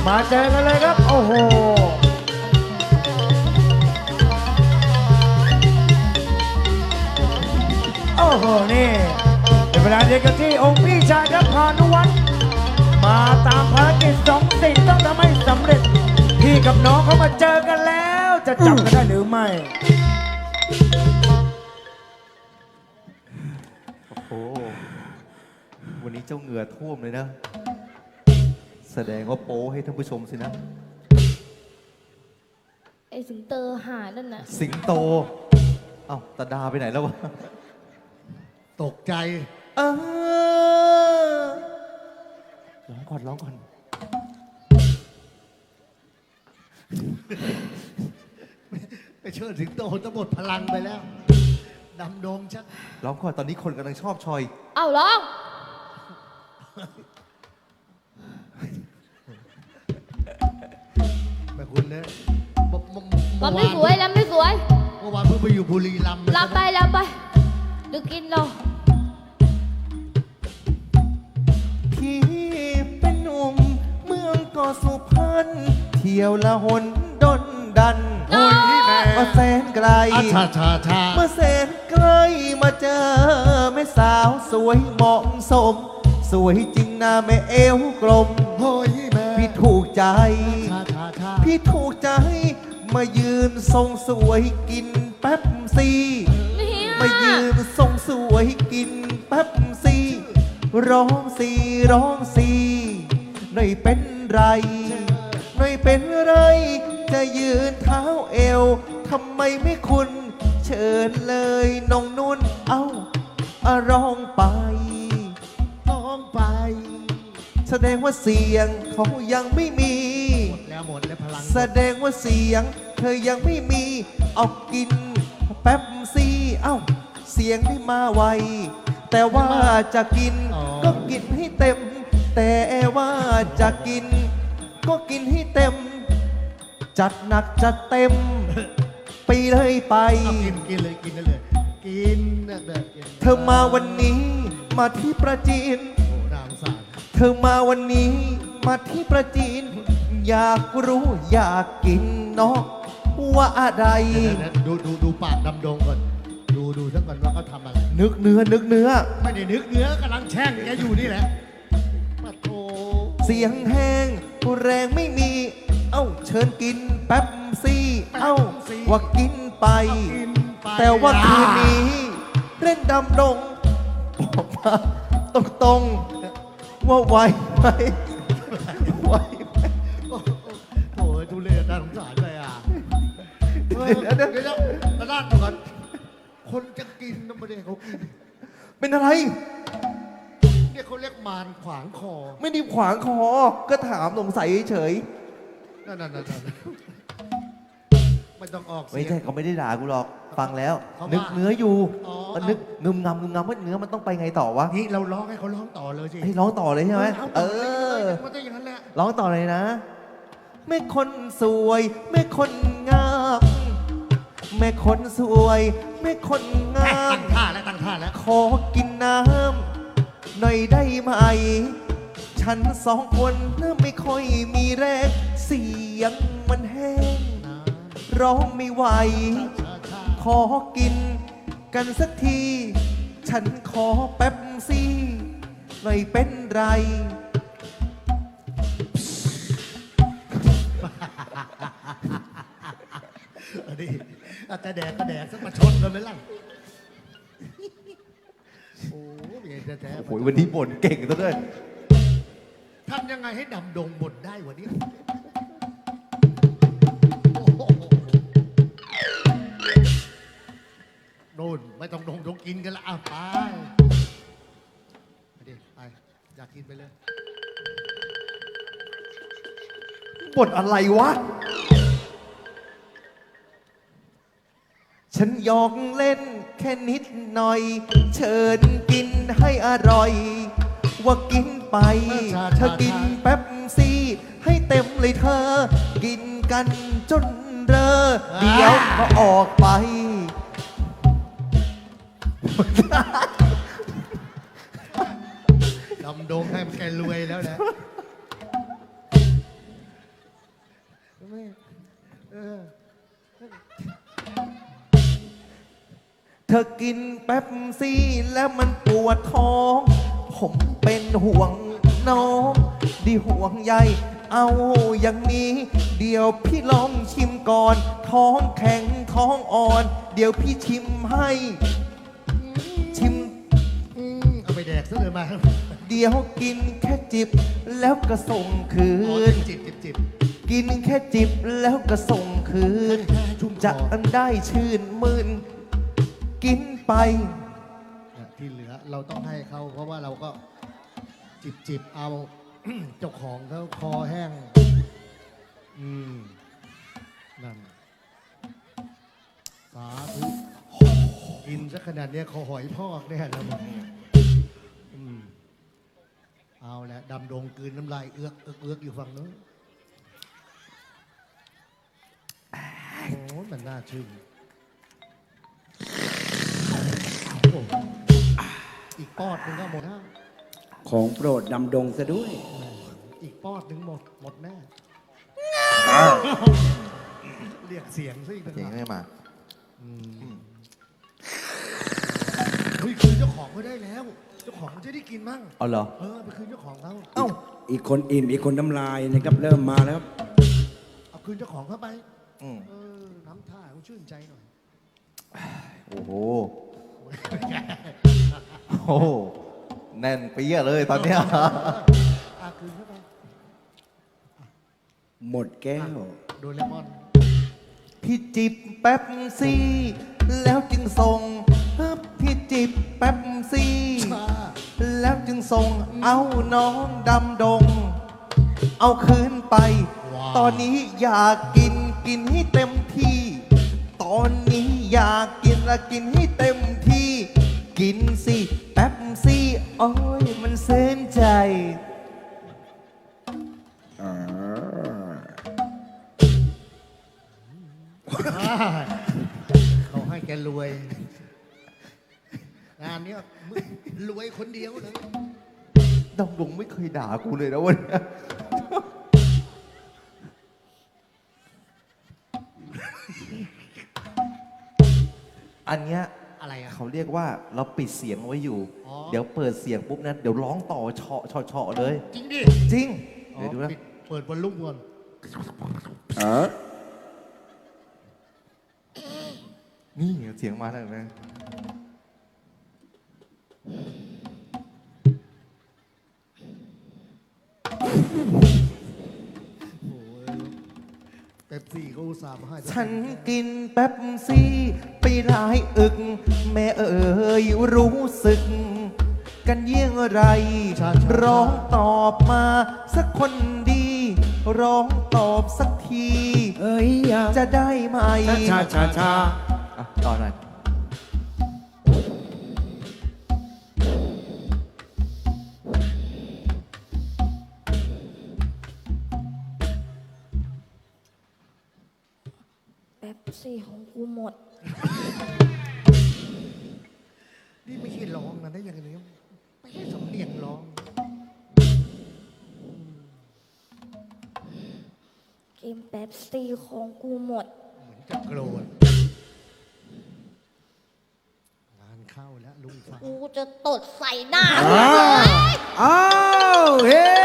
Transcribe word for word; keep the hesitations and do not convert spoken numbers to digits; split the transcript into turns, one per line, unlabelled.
มาเจอกันเลยครับโอ้โหโอ้โหนี่เป็นเวลาเดียวกันที่องค์พี่ชายครับพานุวัฒน์มาตามภารกิจสองสิ่งต้องทำให้สำเร็จพี่กับน้องเขามาเจอกันแล้วจะจับกันได้หรือไม่
โอ้โหวันนี้เจ้าเหงื่อท่วมเลยนะแสดงว่าโป้ให้ท่านผู้ชมสินะ
ไอ้สิงเตอร์หานั่นน่ะ
สิงโตเอ้าตาดาไปไหนแล้ววะ
ตกใจ
เออร้องก่อนร้องก่อน
ไปเชิดสิงโตทั้งหมดพลังไปแล้วดำดงชัด
ร้องก่อนตอนนี้คนกำลังชอบชอย
เอ้าร้อง
แม่คุณเนี่ย
ลำไม่สวยลำไม่สวย
เมื่อวานเพิ่งไปอยู่บุรีรัมย์
ลำไปลำไปดูกินเรา
พี่เป็นหนุ่มเมืองเกาะสุพรรณเที่ยวละหนดนดันมาแสนไกลเมื่อแสนไกลมาเจอแม่สาวสวยเหมาะสมสวยจริงนะแม่เอวกลมพี่ถูกใจพี่ถูกใจมายืนทรงสวยกินแป๊บซีมายืนทรงสวยกินแป๊บซีร้องซีร้องซีหน่อยเป็นไรหน่อยเป็นไรจะยืนเท้าเอวทำไมไม่คุณเชิญเลยน้องนุ่นเอ้าร้องไป
ร้องไป
แสดงว่าเสียงเขายังไม่มี
หมดแล้วหมดแล้วพลัง
แสดงว่าเสียงเธอยังไม่มีเอากินแป๊บซี่เอ้าเสียงไม่มาไวแต่ว่าจะกินก็กินให้เต็มแต่ว่าจะกินก็กินให้เต็มจัดหนักจัดเต็มไปเลยไป
กินกินเลยกินเลยกิน
เธอมาวันนี้มาที่ประจีนเธอมาวันนี้มาที่ประจีนอยากรู้อยากกินเนาะว่าอะไร
ดูดูดูปากดำดงก่อนดูดูทั้งก่อนว่าเขาทำอะไร
นึกเนื้อนึกเนื้อ
ไม่ได้นึกเนื้อกำลังแช่งแกอยู่นี่แหละมาโถ
เสียงแห้งแรงไม่มีเอ้าเชิญกินแป๊บซี่เอ้าว่ากินไปแต่ว่าคืนนี้เล่นดำดงบอกมาตรงตรงว่าไหวไหมไหวไหม
โอ้ยทุเรศน่าสงสารเลยอ่ะเดี๋ยวเดี๋ยวเดี๋ยวตลาดก่อนคนจะกินน้ำมันเด็กเขากิน
เป็นอะไร
เนี่ยเขาเรียกมารขวางคอ
ไม่ได้ขวางคอก็ถามสงสัยเฉย
นั่นนั่นนั่นไม่ต้องออก
ไม่ใช่เขาไม่ได้ด่ากูหรอกฟังแล้วนึกเนื้ออยู่นึกงึมงำงึมงำว่าเนื้อมันต้องไปไงต่อวะ
นี่เราร้องให้เขาร้องต่อเลยสิ
ให้ร้องต่อเลยใช่ไหมเออ
มันจะอย่างนั้นแหละ
ร้องต่อเลยนะแม่คนสวยแม่คนงามแม่คนสวยแม่คนงาม
ตั้งท่าแล้วตั้งท่าแล้ว
ขอกินน้ำหน่อยได้ไหมฉันสองคนน่ะไม่ค่อยมีแรงเสียงมันแห้งร้องไม่ไหวขอกินกันสักทีฉันขอแป๊บซี่หน่อยเป็นไร
อันนี้แต่แดกก็แดกสักมาชนกันไหมล่ะโอ้ยแท้
โอ้ยวันนี้บ่นเก่งซะด้วย
ทำยังไงให้ดำดงบ่นได้วันนี้โน่นไม่ต้องดงดงกินกันละอ่ะไปไปดิไปอยากกินไปเลย
บ่นอะไรวะฉันยอกเล่นแค่นิดหน่อยเชิญกินให้อร่อยว่ากินไปเธอกินแป๊บซี่ให้เต็มเลยเธอกินกันจนเรอเดี๋ยวก็ออกไป
ดำดงให้มันแกรวยแล้วนะไม่เออ
เธอกินแป๊บซี่แล้วมันปวดท้อง ผมเป็นห่วงน้องดีห่วงใยเอาอย่างนี้ เดี๋ยวพี่ลองชิมก่อน ท้องแข็งท้องอ่อน เดี๋ยวพี่ชิมให้ ชิม
อืมเอาไปแดกซะเลยมา
เดี๋ยวกินแค่จิบ แล้วก็ส่งคื
อ๋อน จิบจิบจิบ
กินแค่จิบแล้วก็ส่งคืน
แค่ชุ่มคอ
จะได้ชื่นมื่น กินไป
เนี่ยที่เหลือเราต้องให้เขาเพราะว่าเราก็จิบจิบเอา เจ้าของเขาคอแห้ง อืม นั่น สาธุกินสักขนาดเนี้ยคอหอยพอกแน่แล้วมึงอืมเอาละดำดงกลืนน้ำลายเอือกเอือกเอือกอยู่ฝั่งนู้นโอ้มันน่าชื่นโอ้อีกปอดหนึงก็หมดแล้ว
ของโปรดดำดงซะด้วย
อีกปอดหนึ่งหมด หมดแน่ เรียกเสียงซะอีกต่าง
เสียง
หาก
ไม่มา
อืมเฮ้ยคืนเจ้าของก็ได้แล้ว เจ้าของมันจะได้กินมั่ง
เอาเหรอ
เออไปคืนเจ้าของเขา
เอ้า
อีกคนอิ่มอีกคนน้ำลายนะครับเริ่มมาแล้ว
เอาคืนเจ้าของเข้าไป
อืม
เออ น้ำท่าเขาชื่นใจหน่อย
โอ้โห โอ้โห แน่นเปี้ยเลยตอนเนี้ย
อาคืนเข้าไป
หมดแก้ว
โดเรมอน
พี่จิบแป๊บซี่ แล้วจึงส่งพี่จิบแป๊บซี่
ชา
แล้วจึงส่งเอาน้องดำดง เอาคืนไป ตอนนี้อยากกินกินให้เต็มที่ ตอนนี้อยากกินละกินให้เต็มที่ กินสิแป๊บซี่โอ้ยมันเส้นใจ
เขาให้แกรวย งานเนี้ยมึงรวยคนเดียวเลย
ดำดงไม่เคยด่ากูเลยนะวันนี้ อันเนี้ย
อะไรอ่ะ
เขาเรียกว่าเราปิดเสียงไว้อยู่
อ๋อ
เดี๋ยวเปิดเสียงปุ๊บนั้นเดี๋ยวร้องต่อเฉาะเฉาะเฉาะเลย
จริงดิ
จริง
อ๋อ
เดี๋ยวดูนะ
ปิดเปิดบอลลูนก่อน
นี่เสียงมาแล้วเห็นไหม
โอ้ยเป๊ปซี่เขาอุตส่าห์มาให้
ฉันกินแป๊บซี่ไปหลายอึก แม่เอ๋ยรู้สึก กันเยี่ยงไร ร้องตอบมาสักคนดี ร้องตอบสักที
เอ้ยอย่า
จะได้ไหม
ชาชาชา
อ่ะต่อหน่อย
แป๊บซี่ของกูหมด
นี่ไม่ใช่ร้องนะได้ยังไงเนี่ยไม่ใช่สำเนียงร้อง
กินแป๊บซี่ของกูหมด
เหมือนจะโกรธงานเข้าแล้วลุงฟ้า
กูจะตดใส่หน้า
อ้าวอ้าวเฮ้